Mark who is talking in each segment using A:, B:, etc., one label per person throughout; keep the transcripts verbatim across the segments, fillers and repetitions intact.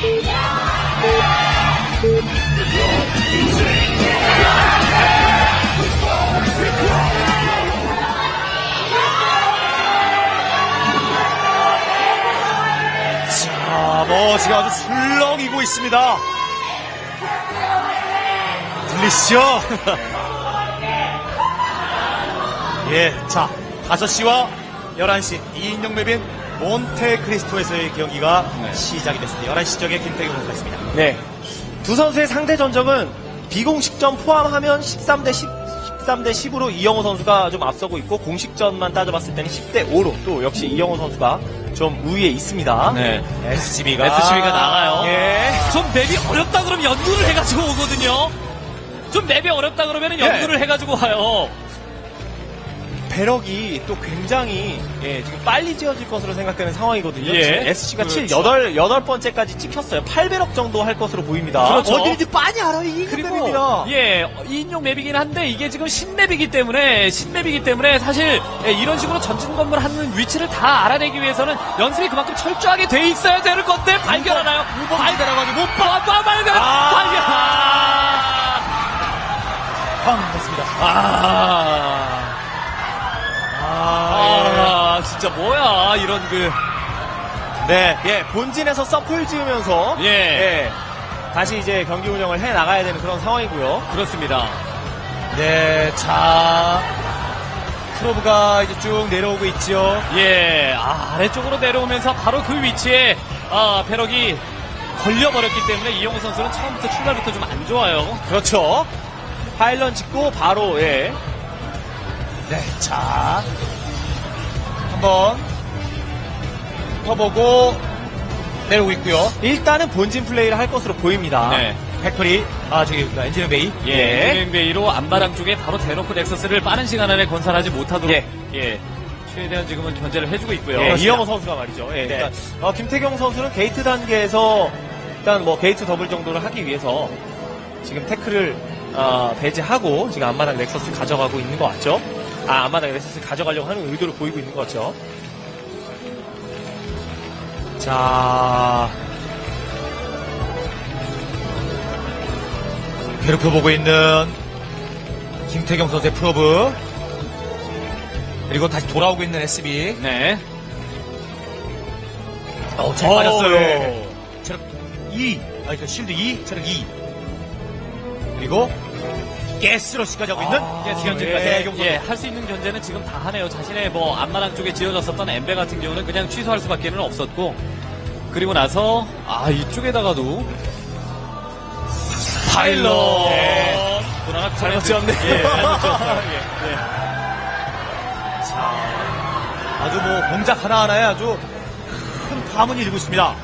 A: 자, 뭐 지금 아주 술렁이고 있습니다. 들리시죠? 예, 자, 다섯 시와 열한 시 이인용 맵인 몬테크리스토에서의 경기가 네. 시작이 됐습니다. 열한 시 쪽에 김태경 선수가 있습니다.
B: 네. 두 선수의 상대 전적은 비공식전 포함하면 십삼 대 십, 십삼 대 십으로 이영호 선수가 좀 앞서고 있고, 공식전만 따져봤을 때는 십 대 오로 또 역시 이영호 선수가 좀 우위에 있습니다.
C: 네.
A: 에스지비가.
C: 에스지비가 나가요.
A: 예.
C: 좀 맵이 어렵다 그러면 연구를 해가지고 오거든요. 좀 맵이 어렵다 그러면 연구를
A: 네.
C: 해가지고 와요.
B: 배럭이 또 굉장히 예, 지금 빨리 지어질 것으로 생각되는 상황이거든요.
C: 예.
B: 지금 에스씨가 칠,
C: 그렇죠.
B: 여덟, 여덟 번째까지 찍혔어요. 팔 배럭 정도 할 것으로 보입니다.
C: 그렇죠.
B: 어디든지 빤히 알아요. 이
C: 그리고
B: 맵입니다.
C: 예 이인용 맵이긴 한데 이게 지금 신맵이기 때문에 신맵이기 때문에 사실 예, 이런 식으로 전진 건물 하는 위치를 다 알아내기 위해서는 연습이 그만큼 철저하게 돼 있어야 되는 건데 발견하나요? 발견하가지고 못 봐, 봐 발견,
B: 아~
C: 발견.
A: 황 됐습니다.
C: 아. 아, 아, 진짜 뭐야 이런 그
B: 네, 예, 본진에서 서플 지으면서
C: 예.
B: 예, 다시 이제 경기 운영을 해 나가야 되는 그런 상황이고요.
C: 그렇습니다.
A: 네, 자, 프로브가 이제 쭉 내려오고 있죠.
C: 예, 아, 아래쪽으로 내려오면서 바로 그 위치에 아, 배럭이 걸려버렸기 때문에 이영호 선수는 처음부터 출발부터 좀 안 좋아요.
B: 그렇죠. 파일런 짓고 바로 예.
A: 네, 자, 한번 펴보고 내려오고 있고요.
B: 일단은 본진 플레이를 할 것으로 보입니다.
C: 네.
A: 팩토리, 아, 저기, 엔지니어 베이.
C: 예, 엔지니어베이로 앞마당 쪽에 바로 대놓고 넥서스를 빠른 시간 안에 건설하지 못하도록
B: 예.
C: 예, 최대한 지금은 견제를 해주고 있고요.
B: 예, 이영호 선수가 말이죠. 예,
C: 네.
B: 일단 어, 김태경 선수는 게이트 단계에서 일단 뭐 게이트 더블 정도를 하기 위해서 지금 태클을 어, 배제하고 지금 앞마당 넥서스 가져가고 있는 것 같죠? 아, 앞마당 넥서스 가져가려고 하는 의도를 보이고 있는 것 같죠?
A: 자, 괴롭혀보고 있는 김태경 선수의 프로브. 그리고 다시 돌아오고 있는 에스비.
C: 네.
A: 어, 잘
C: 오,
A: 맞았어요.
C: 예.
A: 체력 이, 아니, 그 실드 이, 체력 이. 그리고 가스러시까지 하고 있는 가스 견제가 대경 선수.
C: 예, 할 수 있는 견제는 지금 다 하네요. 자신의 뭐 앞마당 쪽에 지어졌었던 엠베 같은 경우는 그냥 취소할 수밖에는 없었고, 그리고 나서 아 이쪽에다가도 파일럿.
A: 예.
C: 하나
B: 잘못 지었네.
C: 예, 잘못 지었어요. 예, 예.
A: 자, 아주 뭐 공작 하나하나에 아주 큰 파문이 일고 있습니다.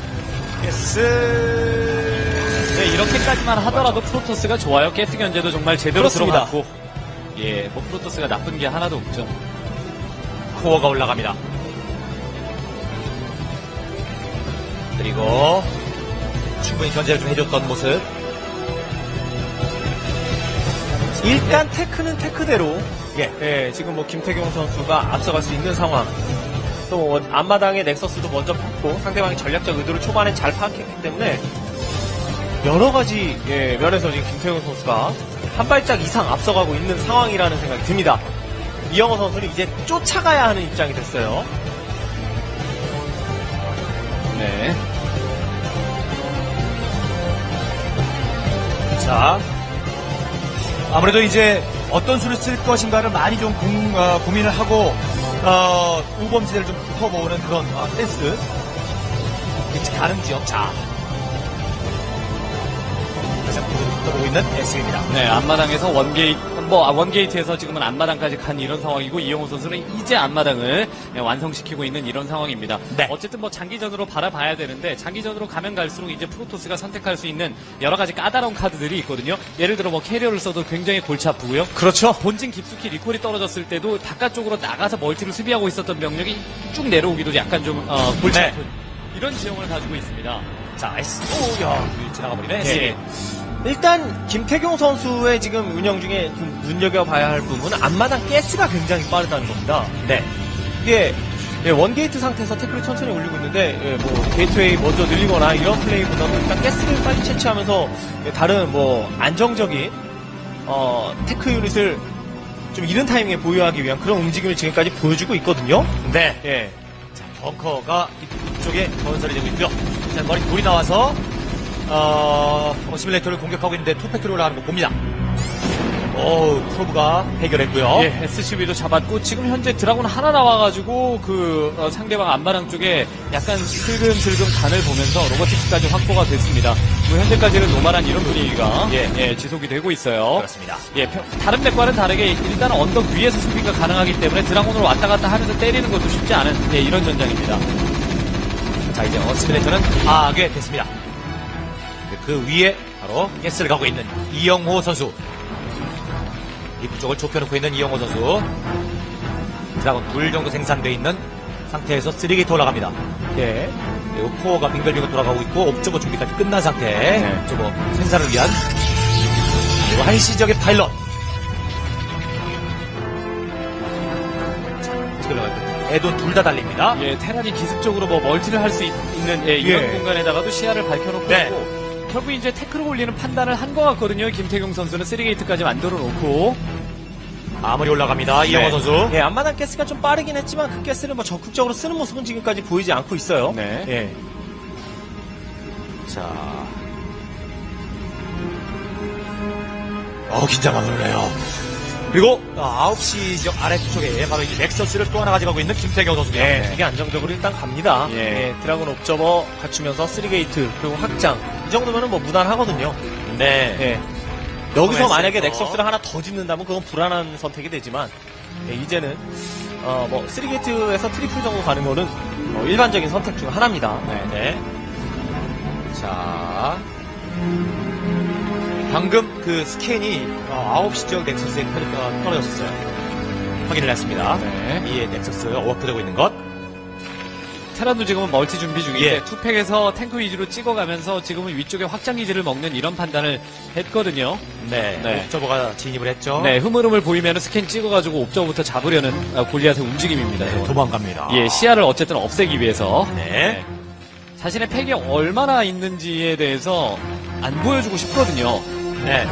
A: 가스.
C: 네, 이렇게까지만 하더라도 프로토스가 좋아요. 가스 견제도 정말 제대로
B: 그렇습니다.
C: 들어갔고, 예, 뭐 프로토스가 나쁜 게 하나도 없죠.
A: 코어가 올라갑니다. 그리고 충분히 견제를 좀 해줬던 모습.
B: 일단 테크는 테크대로
A: 예.
B: 예, 지금 뭐 김태경 선수가 앞서갈 수 있는 상황. 또 뭐 앞마당에 넥서스도 먼저 뽑고 상대방의 전략적 의도를 초반에 잘 파악했기 때문에 여러 가지 예, 면에서 지금 김태경 선수가 한 발짝 이상 앞서가고 있는 상황이라는 생각이 듭니다. 이영호 선수는 이제 쫓아가야 하는 입장이 됐어요.
C: 네.
A: 자, 아무래도 이제 어떤 수를 쓸 것인가를 많이 좀 공, 어, 고민을 하고 어, 우범지대를 좀 붙어보는 그런 어, 센스. 가는 지역. 자, 가장 붙어보고 있는 에스입니다.
C: 네, 앞마당에서 원게이트, 뭐, 아, 원게이트에서 지금은 앞마당까지 간 이런 상황이고, 이영호 선수는 이제 앞마당을 네, 완성시키고 있는 이런 상황입니다.
A: 네.
C: 어쨌든 뭐 장기전으로 바라봐야 되는데, 장기전으로 가면 갈수록 이제 프로토스가 선택할 수 있는 여러 가지 까다로운 카드들이 있거든요. 예를 들어 뭐 캐리어를 써도 굉장히 골치 아프고요.
B: 그렇죠.
C: 본진 깊숙이 리콜이 떨어졌을 때도 바깥쪽으로 나가서 멀티를 수비하고 있었던 병력이 쭉 내려오기도 약간 좀, 어, 골치
A: 네.
C: 아픈 이런 지형을 가지고 있습니다.
A: 자, 에스. 오, 야, 지나가 버리네. 에스.
C: 예.
B: 일단 김태경 선수의 지금 운영 중에 좀 눈여겨봐야 할 부분은 앞마당 가스가 굉장히 빠르다는 겁니다.
A: 네.
B: 이게 예, 원게이트 상태에서 태클을 천천히 올리고 있는데, 예, 뭐, 게이트웨이 먼저 늘리거나 이런 플레이보다는 일단 가스를 빨리 채취하면서, 예, 다른 뭐, 안정적인, 어, 테크 유닛을 좀 이른 타이밍에 보유하기 위한 그런 움직임을 지금까지 보여주고 있거든요.
A: 네.
B: 예.
A: 자, 벙커가 이쪽에 건설이 되고 있고요. 자, 머리 돌이 나와서 어, 어, 시뮬레이터를 공격하고 있는데 투팩트로 올라가는 거 봅니다. 오, 프로브가 해결했고요.
C: 예, 에스씨비도 잡았고 지금 현재 드라군 하나 나와가지고 그 어, 상대방 안마랑 쪽에 약간 슬금슬금 간을 보면서 로보틱스까지 확보가 됐습니다. 뭐 현재까지는 노멀한 이런 분위기가
A: 예.
C: 예, 지속이 되고 있어요.
A: 그렇습니다.
C: 예, 평- 다른 맵과는 다르게 일단 언덕 위에서 수비가 가능하기 때문에 드라군으로 왔다 갔다 하면서 때리는 것도 쉽지 않은 예, 이런 전장입니다.
A: 자, 이제 어스피레이터는 파괴됐습니다. 그 위에 바로 가스를 가고 있는 이영호 선수. 입구 쪽을 좁혀놓고 있는 이영호 선수. 드라곤 둘 정도 생산되어 있는 상태에서 쓰리게이트 올라갑니다.
B: 예.
A: 그리고 코어가 빙글빙글 돌아가고 있고 옵저버 준비까지 끝난 상태.
C: 네.
A: 옵저버 생산을 위한 그리고 한시적인 파일럿. 애돈 둘 다 달립니다.
C: 예, 테란이 기습적으로 뭐 멀티를 할 수 있는 예, 이런
A: 예.
C: 공간에다가도 시야를 밝혀놓고
A: 네.
C: 있고 결국 이제 태클을 올리는 판단을 한 것 같거든요. 김태경 선수는 쓰리게이트까지 만들어 놓고
A: 아무리 올라갑니다. 이영호
B: 네.
A: 선수.
B: 예, 앞마당 가스가 좀 빠르긴 했지만 그 가스를 뭐 적극적으로 쓰는 모습은 지금까지 보이지 않고 있어요.
C: 네.
B: 예.
A: 자. 어, 긴장감 오르네요. 그리고 아홉 시 지역 아래쪽에 바로 이 넥서스를 또 하나 가져가고 있는 김태경 선수입니다.
B: 예,
A: 네.
B: 되게 안정적으로 일단 갑니다.
C: 예.
B: 예, 드라곤 옵저버 갖추면서 쓰리게이트 그리고 확장 이 정도면은 뭐 무난하거든요.
A: 네.
B: 예. 여기서
A: 커맨
B: 만약에
A: 센터.
B: 넥서스를 하나 더 짓는다면 그건 불안한 선택이 되지만 예, 이제는 어, 뭐 쓰리게이트에서 트리플 정도 가는 거는 어, 일반적인 선택 중 하나입니다.
A: 네. 네. 자. 방금 그 스캔이 어, 아홉 시 지역 넥서스에 떨- 떨어졌었어요. 확인을 했습니다.
C: 네.
A: 이에 넥서스 워크되고 있는 것.
C: 테란도 지금은 멀티 준비 중인데
A: 예.
C: 투팩에서 탱크 위주로 찍어가면서 지금은 위쪽에 확장 기지를 먹는 이런 판단을 했거든요.
A: 네.
C: 네.
A: 옵저버가 진입을 했죠.
C: 네, 흐물흐물 보이면 스캔 찍어가지고 옵저부터 잡으려는 아, 골리앗의 움직임입니다.
A: 네,
C: 저건.
A: 도망갑니다.
C: 예, 시야를 어쨌든 없애기 위해서
A: 네.
C: 자신의 팩이 얼마나 있는지에 대해서 안 보여주고 싶거든요.
A: 네.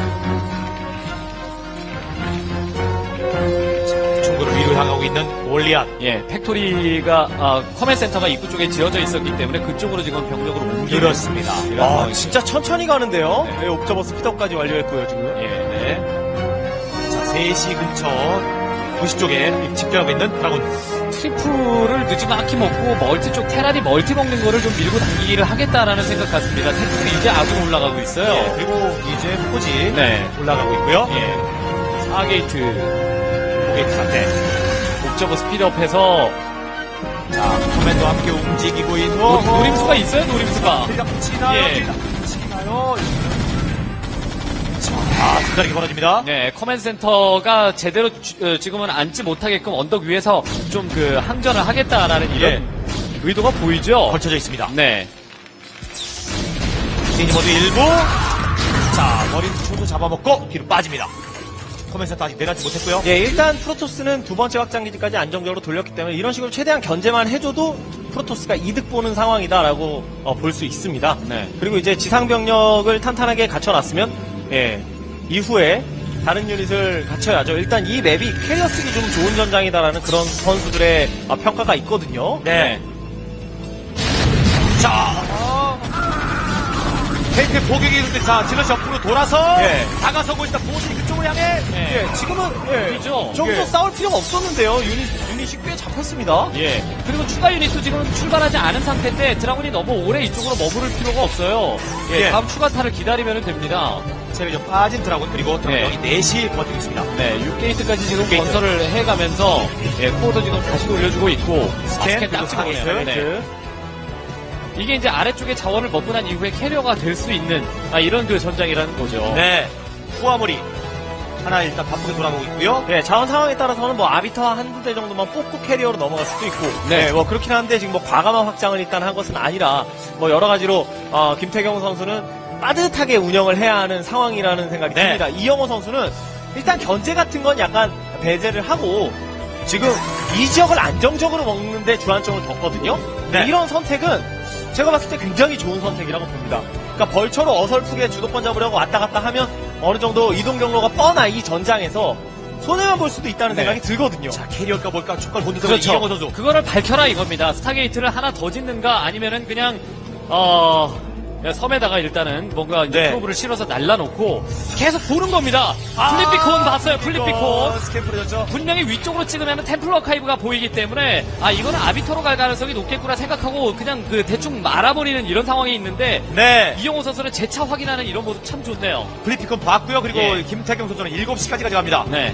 A: 자, 중구를 위로 향하고 있는 골리앗.
C: 예, 팩토리가 아, 커맨 센터가 입구 쪽에 지어져 있었기 때문에 그쪽으로 지금 병력으로 옮기는
A: 그렇습니다.
C: 이런
B: 아,
C: 상황이죠.
B: 진짜 천천히 가는데요.
C: 네.
B: 네, 옵저버 스피드업까지 완료했고요, 지금.
C: 예, 네.
A: 자, 세 시 근처 도시 쪽에 집결하고 있는 드라군.
C: 트리플을 늦지막히 먹고 멀티 쪽 테란이 멀티 먹는 거를 좀 밀고 당기기를 하겠다라는 생각 같습니다. 테란이 이제 아군 올라가고 있어요.
A: 예, 그리고 이제 포지
C: 네.
A: 올라가고 있고요.
C: 예. 사 게이트
A: 포게이트 상태.
C: 옵저버 스피드업해서
A: 자, 커맨드와 함께 움직이고 있는
C: 노- 노림수가 있어요, 노림수가.
A: 들락 치나요?
C: 예.
A: 들락 치나요? 자, 아, 두다리가 벌어집니다.
C: 네, 커맨 센터가 제대로 주- 어, 지금은 앉지 못하게끔 언덕 위에서 좀 그 항전을 하겠다라는 이런 의도가 보이죠.
A: 걸쳐져 있습니다.
C: 네.
A: 스테이지 모드 일부. 자, 머리 초도 잡아먹고 뒤로 빠집니다. 커맨센터 아직 내려가지 못했고요.
B: 예, 일단 프로토스는 두 번째 확장 기지까지 안정적으로 돌렸기 때문에 이런 식으로 최대한 견제만 해줘도 프로토스가 이득 보는 상황이다라고 어, 볼 수 있습니다.
C: 네.
B: 그리고 이제 지상 병력을 탄탄하게 갖춰놨으면 예, 이후에 다른 유닛을 갖춰야죠. 일단 이 맵이 캐리어 쓰기 좀 좋은 전장이다라는 그런 선수들의 어, 평가가 있거든요.
A: 네. 자, 테이크 포격이 있는데, 자, 질럿이 옆으로 돌아서,
B: 예.
A: 다가서고 있다. 보시 그쪽으로 향해.
C: 네.
B: 예, 지금은 예,
C: 그죠.
B: 좀 더
A: 예.
B: 싸울 필요가 없었는데요. 유닛, 유닛이 꽤 잡혔습니다.
C: 예. 그리고 추가 유닛도 지금 출발하지 않은 상태인데 드라군이 너무 오래 이쪽으로 머무를 필요가 없어요. 예.
A: 예.
C: 다음 추가타를 기다리면 됩니다.
A: 체력이 좀 빠진 드라군, 그리고 드라군이 네 시 버티고 있습니다.
C: 네, 육 게이트까지 지금
A: 게이트.
C: 건설을 해가면서 예, 코어도 지금 다시 돌려주고 있고
A: 스캔,
C: 아, 스캔 딱
A: 그리고
C: 찍어보네요.
A: 상위스.
C: 네. 이게 이제 아래쪽에 자원을 먹고 난 이후에 캐리어가 될 수 있는 아, 이런 그 전장이라는 거죠.
A: 네. 후아머리. 하나 일단 바쁘게 돌아가고 있고요.
B: 네, 자원 상황에 따라서는 뭐 아비터 한두 대 정도만 뽑고 캐리어로 넘어갈 수도 있고,
C: 네.
B: 네, 뭐 그렇긴 한데 지금 뭐 과감한 확장을 일단 한 것은 아니라 뭐 여러 가지로 어, 김태경 선수는 빠듯하게 운영을 해야 하는 상황이라는 생각이
A: 네.
B: 듭니다. 이영호 선수는 일단 견제 같은 건 약간 배제를 하고 지금 이 지역을 안정적으로 먹는데 주안점을 뒀거든요.
A: 네.
B: 이런 선택은 제가 봤을 때 굉장히 좋은 선택이라고 봅니다. 그러니까 벌처로 어설프게 주도권 잡으려고 왔다 갔다 하면 어느 정도 이동 경로가 뻔한 이 전장에서 손해만 볼 수도 있다는
A: 네.
B: 생각이 들거든요.
A: 자, 캐리어일까 뭘까 촉발 본드
C: 그렇죠.
A: 이영호 선수.
C: 그거를 밝혀라 이겁니다. 스타게이트를 하나 더 짓는가 아니면은 그냥 어 섬에다가 일단은 뭔가 이제
A: 네.
C: 프로브를 실어서 날라놓고 계속 보는 겁니다. 플리피콘 봤어요. 플리피콘.
A: 스캠프를
C: 분명히 위쪽으로 찍으면 템플 어카이브가 보이기 때문에 아 이거는 아비터로 갈 가능성이 높겠구나 생각하고 그냥 그 대충 말아버리는 이런 상황이 있는데
A: 네.
C: 이영호 선수는 재차 확인하는 이런 모습 참 좋네요.
A: 플리피콘 봤고요. 그리고
C: 예.
A: 김태경 선수는 일곱 시까지 가져갑니다.
C: 네.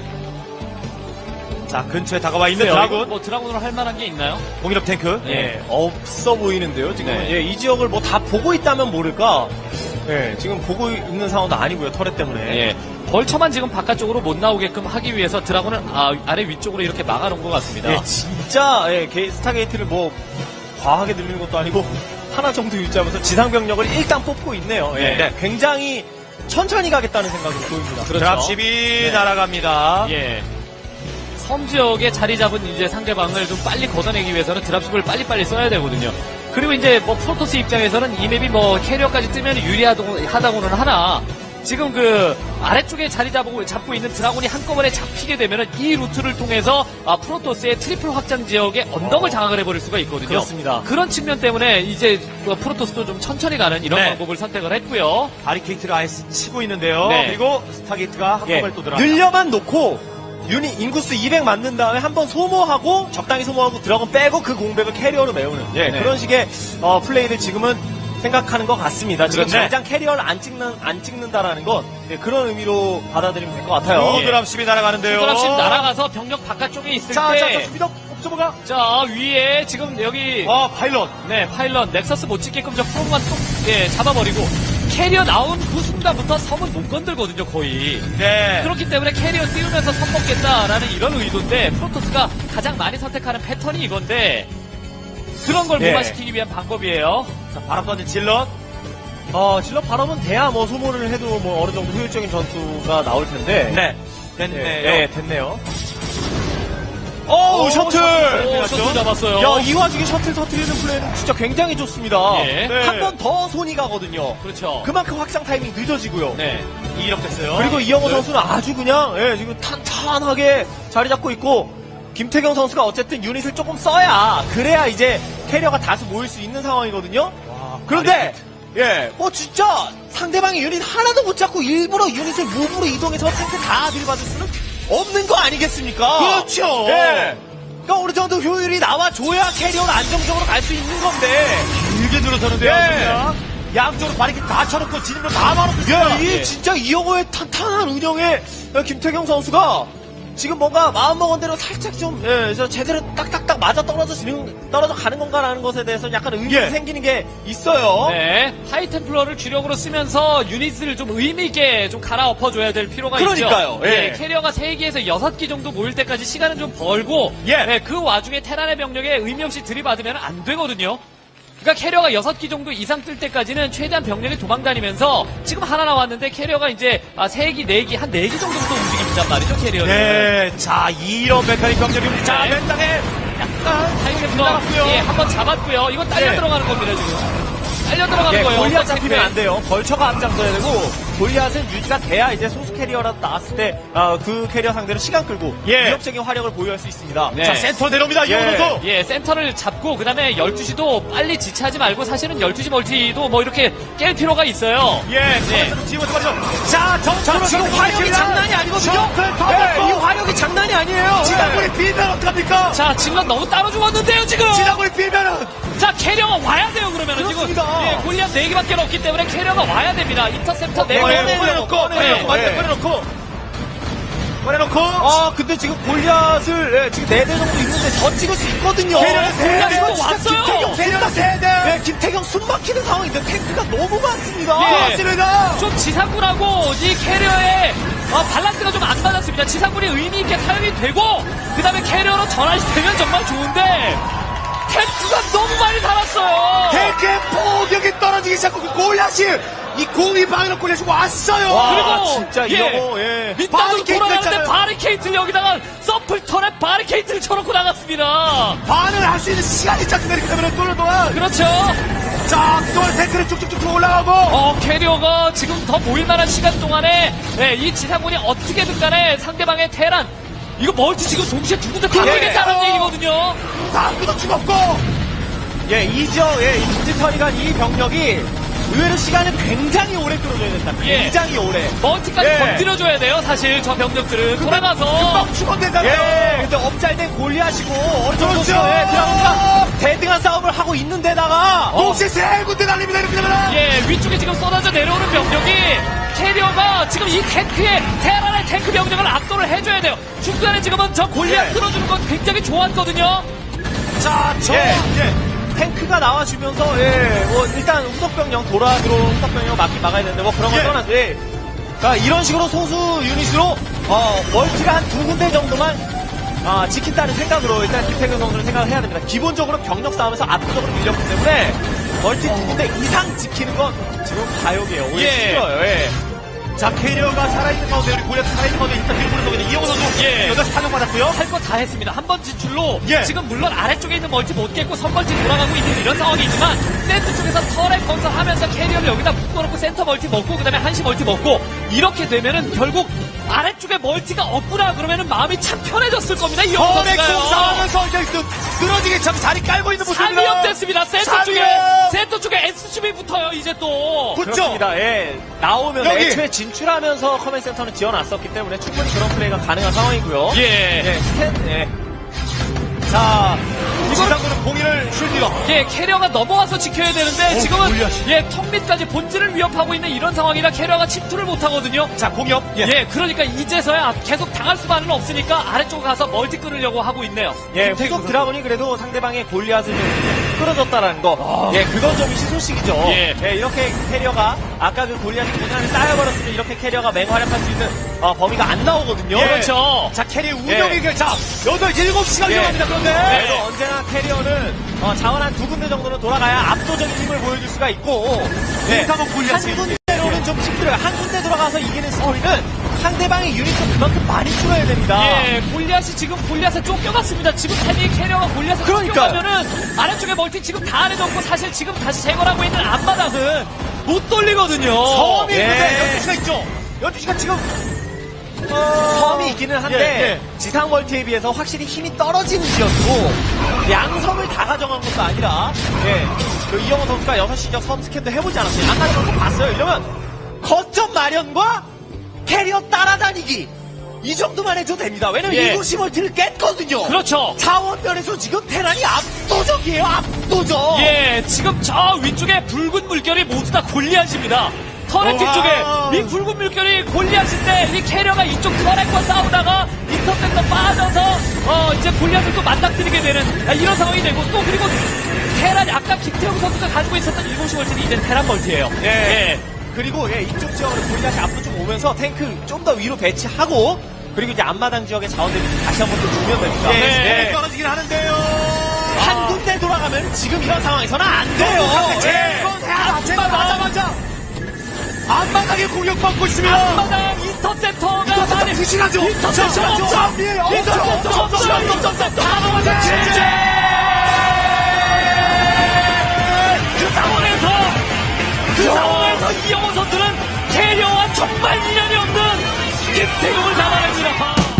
A: 자, 근처에 다가와 있는
C: 글쎄요,
A: 드라군.
C: 뭐 드라군으로 할 만한 게 있나요?
A: 공인업 탱크.
B: 예, 없어 보이는데요. 지금
C: 네.
B: 예, 이 지역을 뭐 다 보고 있다면 모를까. 예, 지금 보고 있는 상황도 아니고요. 터렛 때문에.
C: 예. 벌처만 지금 바깥쪽으로 못 나오게끔 하기 위해서 드라군을 아, 아래 위쪽으로 이렇게 막아놓은 것 같습니다.
B: 예, 진짜 예, 게- 스타게이트를 뭐 과하게 늘리는 것도 아니고 하나 정도 유지하면서 지상 병력을 일단 뽑고 있네요. 예,
A: 네.
B: 굉장히 천천히 가겠다는 생각이 보입니다.
C: 그렇죠.
A: 드랍십이
B: 네.
A: 날아갑니다.
C: 예. 섬 지역에 자리 잡은 이제 상대방을 좀 빨리 걷어내기 위해서는 드랍십을 빨리빨리 써야 되거든요. 그리고 이제 뭐 프로토스 입장에서는 이 맵이 뭐 캐리어까지 뜨면 유리하다고는 하나 지금 그 아래쪽에 자리 잡고, 잡고 있는 드라곤이 한꺼번에 잡히게 되면은 이 루트를 통해서 아, 프로토스의 트리플 확장 지역의 언덕을 장악을 해버릴 수가 있거든요.
B: 그렇습니다.
C: 그런 측면 때문에 이제 그 프로토스도 좀 천천히 가는 이런
A: 네.
C: 방법을 선택을 했고요.
A: 바리케이트를 아예 치고 있는데요.
C: 네.
A: 그리고 스타게이트가
B: 예,
A: 한꺼번에 또 들어갑니다.
B: 늘려만 놓고 유닛 인구수 이백 맞는 다음에 한번 소모하고 적당히 소모하고 드라곤 빼고 그 공백을 캐리어로 메우는 예,
C: 네.
B: 그런 식의 어, 플레이를 지금은 생각하는 것 같습니다. 지금
A: 그렇죠.
B: 당장 캐리어를 안 찍는 안 찍는다라는 건 예, 그런 의미로 받아들이면 될 것 같아요.
A: 또 드랍십이 날아가는데요.
C: 드랍십 날아가서 병력 바깥쪽에 있을
A: 자, 자,
C: 때
A: 자, 스피드 옵저버가.
C: 자, 위에 지금 여기
A: 아, 파일럿.
C: 네 파일럿 넥서스 못 찍게끔 저 프로만 톡 예, 잡아버리고 캐리어 나온 그 순간부터 섬은 못 건들거든요 거의.
A: 네.
C: 그렇기 때문에 캐리어 띄우면서 섬 먹겠다라는 이런 의도인데 프로토스가 가장 많이 선택하는 패턴이 이건데 그런 걸
B: 네.
C: 무마시키기 위한 방법이에요.
A: 자, 바람 던진 질럿.
B: 어, 질럿 발업은 돼야 뭐 소모를 해도 뭐 어느 정도 효율적인 전투가 나올 텐데.
A: 네.
B: 네,
A: 됐네요.
B: 네, 됐네요.
A: 오, 셔틀!
C: 오, 셔틀 잡았어요.
B: 야, 이 와중에 셔틀 터트리는 플레이는 진짜 굉장히 좋습니다.
C: 예.
A: 네.
B: 한 번 더 손이 가거든요.
C: 그렇죠.
B: 그만큼 확장 타이밍이 늦어지고요.
C: 네.
A: 이력 됐어요.
B: 그리고 이영호
A: 네.
B: 선수는 아주 그냥 예, 지금 탄탄하게 자리 잡고 있고 김태경 선수가 어쨌든 유닛을 조금 써야 그래야 이제 캐리어가 다수 모일 수 있는 상황이거든요.
A: 와,
B: 그런데 예, 뭐 진짜 상대방의 유닛 하나도 못 잡고 일부러 유닛을 무브로 이동해서 탱크 다 들이받을 수는 없는 거 아니겠습니까?
A: 그렇죠.
B: 예. 그러니까 어느 정도 효율이 나와줘야 캐리어를 안정적으로 갈 수 있는 건데.
A: 길게 들어서는데요.
B: 예.
A: 그냥. 양쪽으로 바리케이트 다 쳐놓고 진입로 다 막아놓고
B: 야,
A: 있어요.
B: 이
C: 예.
B: 진짜 이영호의 탄탄한 운영에 김태경 선수가 지금 뭔가 마음먹은 대로 살짝 좀, 예, 저 제대로 딱딱딱 맞아 떨어지는, 떨어져 가는 건가라는 것에 대해서 약간 의문이
A: 예.
B: 생기는 게 있어요.
C: 네, 하이템플러를 주력으로 쓰면서 유닛을 좀 의미있게 좀 갈아엎어줘야 될 필요가
B: 그러니까요,
C: 있죠.
B: 예.
C: 예, 캐리어가 세 개에서 여섯 개 정도 모일 때까지 시간은 좀 벌고,
A: 예.
C: 예, 그 와중에 테란의 병력에 의미 없이 들이받으면 안 되거든요. 그러니까 캐리어가 여섯 기 정도 이상 뜰 때까지는 최대한 병력이 도망다니면서 지금 하나 나왔는데 캐리어가 이제 아, 세 기, 네 기, 한 네 기 정도부터 움직인단 말이죠, 캐리어는.
A: 네. 자, 이런 메카닉 병력입니다. 자,
C: 네.
A: 맨 땅에 약간
C: 하이템플러,
A: 나갔고요.
C: 예, 한번 잡았고요. 이건 딸려
A: 네.
C: 들어가는 겁니다, 지금. 딸려 들어가는
B: 예,
C: 거예요.
B: 골리앗
C: 어떤
B: 잡히면
C: 탱크에.
B: 안 돼요. 벌처가 앞장서야 되고, 골리앗은 유지가 돼야 이제 소수 캐리어라도 나왔을 때, 아, 그 캐리어 상대로 시간 끌고,
A: 예.
B: 위협적인 화력을 보유할 수 있습니다.
C: 네.
A: 자, 센터 내려옵니다. 이영호
B: 예.
A: 선수.
C: 예, 센터를 잡고 그다음에 열두 시도 빨리 지체하지 말고 사실은 열두 시 멀티도 뭐 이렇게 깰 필요가 있어요.
A: 예,
C: 네.
A: 지금 말이죠. 자, 정찰로
B: 자, 지금 화력이 장난이 아니거든요.
A: 셔틀 더
B: 예, 이
A: 넣고.
B: 화력이 장난이 아니에요.
A: 지상군이 빌면 어떡합니까?
C: 자, 질럿 너무 따로 죽었는데요, 지금.
A: 지상군이 빌면은
C: 자, 캐리어가 와야 돼요, 그러면은 지금.
B: 그렇습니다.
C: 예, 골리앗 네 개밖에 없기 때문에 캐리어가 와야 됩니다. 인터셉터 네
B: 꺼내,
C: 개.
B: 꺼내놓고,
A: 꺼내놓고, 완전
B: 예.
A: 꺼내놓고. 꺼내놓고.
B: 아, 근데 지금 골리앗을, 예, 지금 네 대 정도 있는데 더 찍을 수 있거든요.
A: 캐리어는 세 대.
C: 골리앗 또
B: 진짜
C: 왔어요.
B: 김태경
A: 세력 세대.
B: 예, 김태경 숨 막히는 상황인데 탱크가 너무 많습니다.
C: 예.
A: 맞습니다.
C: 좀 지상군하고 이 캐리어의 어, 밸런스가 좀 안 맞았습니다. 지상군이 의미 있게 사용이 되고 그다음에 캐리어로 전환이 되면 정말 좋은데 탱크가 너무 많이 달았어요.
A: 탱크의 포격이 떨어지기 시작하고 그 골리앗이 이 공이 방으로 골려주고 왔어요.
B: 와,
C: 그리고
B: 진짜
C: 예,
B: 이러고, 예.
C: 밑단으로
A: 바리케이트
C: 돌아가는데
A: 했잖아요.
C: 바리케이트를 여기다가 서플턴에 바리케이트를 쳐놓고 나갔습니다.
A: 반을 할 수 있는 시간이 있지 않습니까? 이렇게 되면 뚫는 동안.
C: 그렇죠.
A: 자, 그동안 탱크를 쭉쭉쭉 올라가고.
C: 어, 캐리어가 지금 더 모일만한 시간 동안에 예, 이 지상군이 어떻게든 간에 상대방의 테란 이거 멀티 지금 동시에 두 군데 굴리겠다는
A: 예.
C: 얘기거든요.
A: 다음부터 죽었고.
B: 예, 이죠. 예, 이 디지털이간 이 병력이 의외로 시간을 굉장히 오래 끌어줘야 된다.
C: 예.
B: 굉장히 오래.
C: 멀티까지
B: 예.
C: 건드려줘야 돼요. 사실 저 병력들은 돌아가서
A: 금방 죽었대잖아요.
B: 예, 근데 업잘된 골리앗이고 어느 정도
A: 그렇죠.
B: 예, 드라군과 대등한 싸움을 하고 있는데다가 어,
A: 동시에 세 군데 날립니다. 이렇게 되면.
C: 예, 위쪽에 지금 쏟아져 내려오는 병력이 캐리어가 지금 이 탱크의 테란의 탱크 병력을 압도를 해줘야 돼요. 중간에 지금은 저 골리앗
B: 예.
C: 끌어주는 건 굉장히 좋았거든요.
A: 자, 저.
B: 예.
A: 예.
B: 탱크가 나와주면서 예, 뭐 일단 후속병력 돌아 들어오는 후속병력 막기 막아야 되는데 뭐 그런 건
A: 예.
B: 떠나서 예. 그러니까 이런 식으로 소수 유닛으로 어, 멀티가 한 두 군데 정도만 아, 지킨다는 생각으로 일단 김태균 선수는 생각을 해야 됩니다. 기본적으로 병력 싸움에서 압도적으로 밀렸기 때문에 멀티 두 군데 이상 지키는 건 지금 가역이에요. 오히려
C: 예.
B: 힘들어요. 예.
A: 자, 캐리어가 살아있는 가운데, 우리 골리앗 살아있는 가운데 일단 뒤로 보내서 있는 이영호 선수.
C: 예.
A: 여기서 타격 받았고요.
C: 할 거 다 했습니다. 한 번 진출로
A: 예.
C: 지금 물론 아래쪽에 있는 멀티 못 깼고 선멀티 돌아가고 있는 이런 상황이지만 센터 쪽에서 터렛 건설하면서 캐리어를 여기다 묶어놓고 센터 멀티 먹고 그다음에 한시 멀티 먹고 이렇게 되면은 결국 아래쪽에 멀티가 없구나 그러면은 마음이 참 편해졌을 겁니다. 이
A: 터렛
C: 선수가요.
A: 공사하면서 이제 또 늘어지게 참 자리 깔고 있는 모습입니다.
C: 삼위업 됐습니다. 센터
A: 삼위업!
C: 쪽에 센터 쪽에 에스씨비 붙어요. 이제 또.
A: 붙죠?
B: 그렇습니다. 예. 나오면
A: 여기.
B: 애초에 진출하면서 커맨 센터는 지어놨었기 때문에 충분히 그런 플레이가 가능한 상황이고요.
C: 예.
B: 예, 스탠, 예.
A: 자, 지상군은 공인을 쉴디가.
C: 예, 캐리어가 넘어와서 지켜야 되는데
A: 오,
C: 지금은
A: 골리앗이.
C: 예, 턱 밑까지 본질을 위협하고 있는 이런 상황이라 캐리어가 침투를 못 하거든요.
A: 자, 공격.
C: 예. 그러니까 이제서야 계속 당할 수만은 없으니까 아래쪽 가서 멀티 끌으려고 하고 있네요.
B: 예,
A: 김태균
B: 후속
A: 선수.
B: 드라군이 그래도 상대방의 골리앗을 좀 끌어줬다라는 거. 예, 그건 좀 희소식이죠.
C: 예.
B: 이렇게 캐리어가, 아까 그 골리앗이 고장이 쌓여버렸으면 이렇게 캐리어가 맹활약할 수 있는 어, 범위가 안 나오거든요.
A: 예.
C: 그렇죠.
A: 자, 캐리어 운영이,
B: 예.
A: 그 자, 여덟, 일곱 시간
B: 예.
A: 위험합니다. 그런데.
B: 그래서 언제나 캐리어는 어, 자원 한 두 군데 정도는 돌아가야 압도적인 힘을 보여줄 수가 있고 예.
A: 일단은 골리앗이.
B: 한 군데로는 좀 힘들어요. 한 군데 들어가서 이기는 스토리는 상대방의 유닛도 그만큼 많이 줄어야 됩니다.
C: 예, 골리앗이 지금 골리앗에 쫓겨갔습니다. 지금 타이밍 캐리어가 골리앗에
B: 그러니까요.
C: 쫓겨가면은 아래쪽에 멀티 지금 다 안해졌고 사실 지금 다시 제거를 하고 있는 앞바닥은 못 돌리거든요.
A: 섬이
B: 예.
A: 있는데 열두 시가 있죠. 열두 시가 지금.
B: 섬이 있기는 한데
A: 예,
B: 지상 멀티에 비해서 확실히 힘이 떨어지는 지역이고 양섬을 다 가져간 것도 아니라 예, 그 이영호 선수가 여섯 시 지역 섬 스캔도 해보지 않았어요. 안 가져간 거 봤어요. 이러면 거점 마련과 캐리어 따라다니기 이 정도만 해도 됩니다. 왜냐면
C: 예.
B: 일곱 시 멀티를 깼거든요.
C: 그렇죠.
B: 자원면에서 지금 테란이 압도적이에요. 압도적.
C: 예, 지금 저 위쪽에 붉은 물결이 모두 다 골리앗입니다. 터렛
A: 우와.
C: 뒤쪽에 이 붉은 물결이 골리앗인데 이 캐리어가 이쪽 터렛과 싸우다가 인터셉터 빠져서 어 이제 골리앗을 또 맞닥뜨리게 되는 아, 이런 상황이 되고 또 그리고 테란 아까 김태형 선수가 가지고 있었던 일곱 시 멀티는 이제 테란 멀티예요.
B: 예. 그리고 예, 이쪽 지역으로 골리앗이 앞으로 좀 오면서 탱크 좀 더 위로 배치하고 그리고 이제 앞마당 지역의 자원들이 다시 한번 또 주면 됩니다.
A: 예,
C: 네.
A: 네. 떨어지긴 하는데요.
B: 한 군데 돌아가면 지금 이런 상황에서는 안 돼요.
A: 제 건 해야 제거하자마자 앞바닥에 공격받고 있으면
C: 앞마당 인터셉터가
A: 인터셉터
C: 많이
A: 부실하죠.
C: 인터셉터
A: 부실하죠.
C: 없죠.
A: 예, 없죠.
C: 인터셉터
A: 없죠.
C: 없죠.
A: 없죠.
C: 인터셉터 다 넘어서 진짜 그 상황에서 그 상황에서 이영호 선수는 캐리어와 정말 인연이 없는 김태경을 잡아냅니다.